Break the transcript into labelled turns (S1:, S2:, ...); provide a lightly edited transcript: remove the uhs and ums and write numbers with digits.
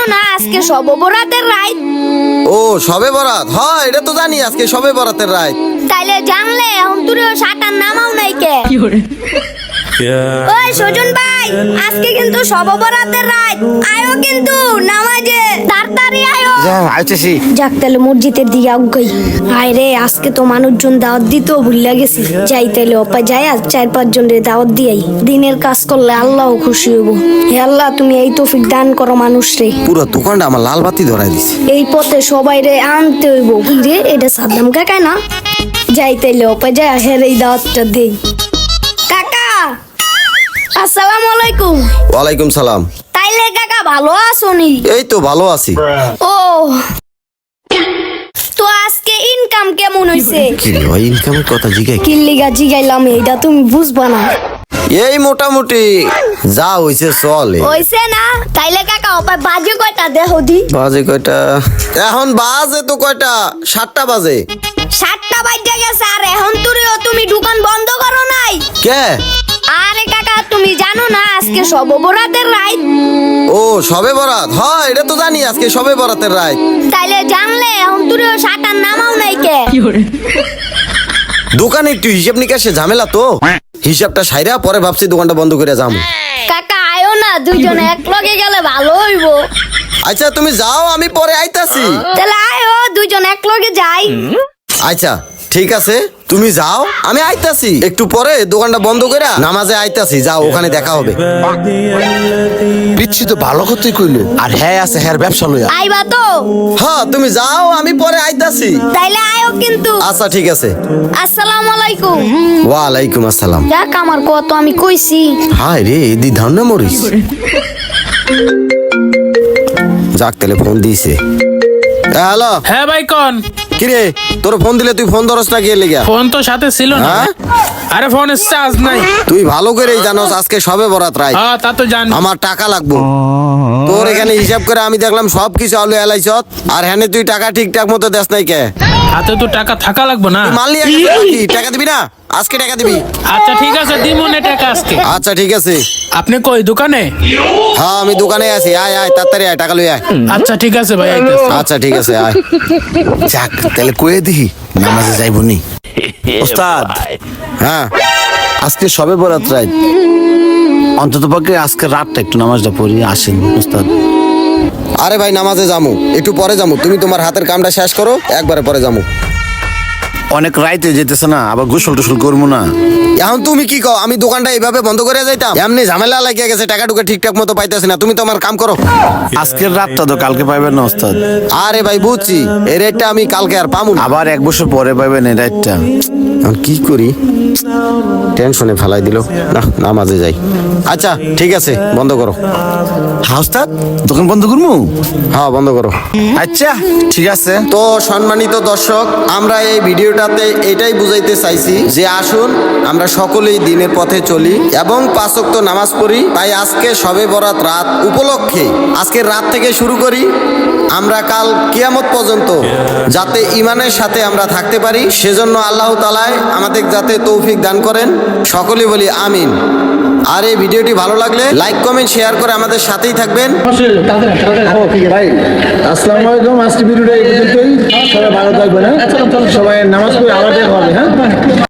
S1: না আজকে শবে বরাতের রাত?
S2: ও শবে বরাত, হ্যাঁ এটা তো জানি আজকে শবে বরাতের রাত।
S1: তাইলে জানলে এখন তুইও সাটার নামাও নাই কে? ওই সুজন ভাই, আজকে কিন্তু শবে বরাতের রাত, আয়ো কিন্তু নামাজে তাড়াতাড়ি আয়ো।
S3: আইতেছি।
S1: যাক তাহলে মসজিদের দিকে আগাই। আয় রে, আজকে তো মানুষজন দাওয়াত দিতেও ভুলে গেছি। যাই তাইলে অপা যাই আর 4-5 জনের দাওয়াত দিয়াই। দিনের কাজ করলে আল্লাহও খুশি হবো। হে আল্লাহ, তুমি এই তৌফিক দান করো মানুষ রে।
S2: পুরো দোকানটা আমার লাল বাতি ধরাই দিছে।
S1: এই পথে সবাই রে আনতে হইব। কি রে, এটা সাদ্দাম কাকা না? যাই তাইলে অপা যাই হের এই দাওয়াতটা দেই। কাকা আসসালামু আলাইকুম।
S2: ওয়ালাইকুম সালাম।
S1: তাইলে কাকা ভালো আছোনি?
S2: এই তো ভালো আছি।
S1: ও তো আজকে ইনকাম কেমন হইছে?
S2: কি রে ভাই, ইনকামের কথা জিগাই?
S1: কি লিগা জিগাইলাম এইটা তুমি বুঝবা না।
S2: এই মোটামুটি যা হইছে চলে।
S1: হইছে না? তাইলে কাকা অপায় বাজে কয়টা দেখো দি।
S2: বাজে কয়টা? এখন বাজে তো কয়টা, 7টা বাজে।
S1: 7টা বাজে গেছে আর এখন তুমি দোকান বন্ধ করো নাই
S2: কে?
S1: আরে কাকা, তুমি জানো না আজকে শবে বরাতের রাত?
S2: ও শবে বরাত, হ্যাঁ এটা তো জানি আজকে শবে বরাতের রাত।
S1: তাইলে জানলে এখন তুইও সাটার নামাও নাই কে?
S2: দোকানে একটু হিসাব নিকাশে ঝামেলা তো, হিসাবটা সাইরা পরে ভাবছি দোকানটা বন্ধ করে যাবো।
S1: কাকা আয়ো না, দুইজন এক লগে গেলে ভালো হইবো।
S2: আচ্ছা তুমি যাও, আমি পরে আইতাছি।
S1: তাহলে আয়ো, দুইজন এক লগে যাই।
S2: আচ্ছা ঠিক আছে, তুমি যাও, আমি আইতাছি একটু পরে দোকানটা বন্ধ করে নামাজে আইতাছি। যাও, ওখানে দেখা হবে।
S3: পিচ্ছি তো ভালো কথাই কইলো, আর হ্যাঁ আছে হ্যাঁ ব্যবসা লইয়া।
S1: আইবা তো?
S2: হ্যাঁ তুমি যাও, আমি পরে আইতাছি।
S1: তাইলে আয়ো কিন্তু।
S2: আচ্ছা ঠিক আছে।
S1: আসসালামু আলাইকুম।
S2: ওয়ালাইকুম আসসালাম।
S1: যাক, আমার কত আমি কইছি।
S2: হায় রে, দি ধান্না মরিস। যাক তাহলে ফোন দিয়েছে। হ্যালো।
S4: হ্যাঁ ভাই কোন?
S2: কিরে, তোর ফোন দিলে তুই ফোন ধরস না, কে লেগা?
S4: ফোন তো সাথে ছিল না।
S2: হ্যাঁ?
S4: আরে ফোনের চার্জ নাই।
S2: তুই ভালো করেই জানোস আজকে সবে বরাত রাত।
S4: হ্যাঁ তা তো জানি।
S2: আমার টাকা লাগবো। তোর এখানে হিসাব করে আমি দেখলাম সব কিছু আলু এলাইছত, আর হ্যাঁ তুই টাকা ঠিকঠাক মতো দেস নাই কে?
S4: হাতে তো টাকা থাকা লাগবে না।
S2: মানলি টাকা দিবি না? আজকে টাকা দিবি?
S4: আচ্ছা ঠিক আছে, দিমু না টাকা আজকে।
S2: আচ্ছা ঠিক আছে।
S4: আপনি কই দোকানে?
S2: হ্যাঁ আমি দোকানে আছি। আয় আয় তাড়াতাড়ি আয়, টাকা লই আয়।
S4: আচ্ছা ঠিক আছে ভাই, আইতেছি।
S2: আচ্ছা ঠিক আছে, আয়।
S3: যাক তাহলে কয়ে দিহি নামাজে যাইবো নি। ওস্তাদ,
S2: হ্যাঁ
S3: আজকে সবে বরাত রাত, অন্তত পক্ষে আজকে রাতটা একটু নামাজটা পড়ি আসেন ওস্তাদ।
S2: আরে ভাই নামাজে যামু, একটু পরে যামু। তুমি তোমার হাতের কামটা শেষ করো, একবারে পরে যামু।
S3: অনেক রাইতে যেতেছে না, আবার গোসল টোসল করবো না।
S2: এখন তুমি কি কও, আমি দোকানটা এইভাবে বন্ধ করে যাইতাম? এমনি ঝামেলা লাগিয়ে গেছে, টাকা টুকা ঠিকঠাক মতো পাইতেছি না। তুমি তোমার কাম করো।
S3: আজকের রাতটা তো কালকে পাইবেন না ওস্তাদ।
S2: আরে ভাই বুঝছি, এই রেটটা আমি কালকে আর পামু না।
S3: আবার 1 বছর পরে পাইবেন এই রাতটা।
S2: এখন কি করি, টেনশনে ফেলাই দিল। না নামাজে যাই। আচ্ছা ঠিক আছে, বন্ধ করো।
S3: হ্যাঁ ওস্তাদ, দোকান বন্ধ করবো?
S2: হ্যাঁ বন্ধ করো।
S3: আচ্ছা ঠিক আছে।
S2: তো সম্মানিত দর্শক, আমরা এই ভিডিওটাতে এটাই বুঝাইতে চাইছি যে আসুন আমরা সকলেই দিনের পথে চলি এবং 5 ওয়াক্ত নামাজ পড়ি। তাই আজকে শবে বরাত রাত উপলক্ষে আজকের রাত থেকে শুরু করি আমরা কাল কিয়ামত পর্যন্ত যাতে ঈমানের সাথে আমরা থাকতে পারি, সেজন্য আল্লাহ তাআলা আমাদের যাতে তৌফিক দান করেন। সকলে বলি আমিন। আর এই ভিডিওটি ভালো লাগলে লাইক কমেন্ট শেয়ার করে আমাদের সাথেই থাকবেন।
S5: ভাই আসসালামু আলাইকুম। আজকে ভিডিওটা এই পর্যন্তই। সবাই ভালো থাকবেন। সবাই নামাজ পড়ে আবার দেখা হবে। হ্যাঁ।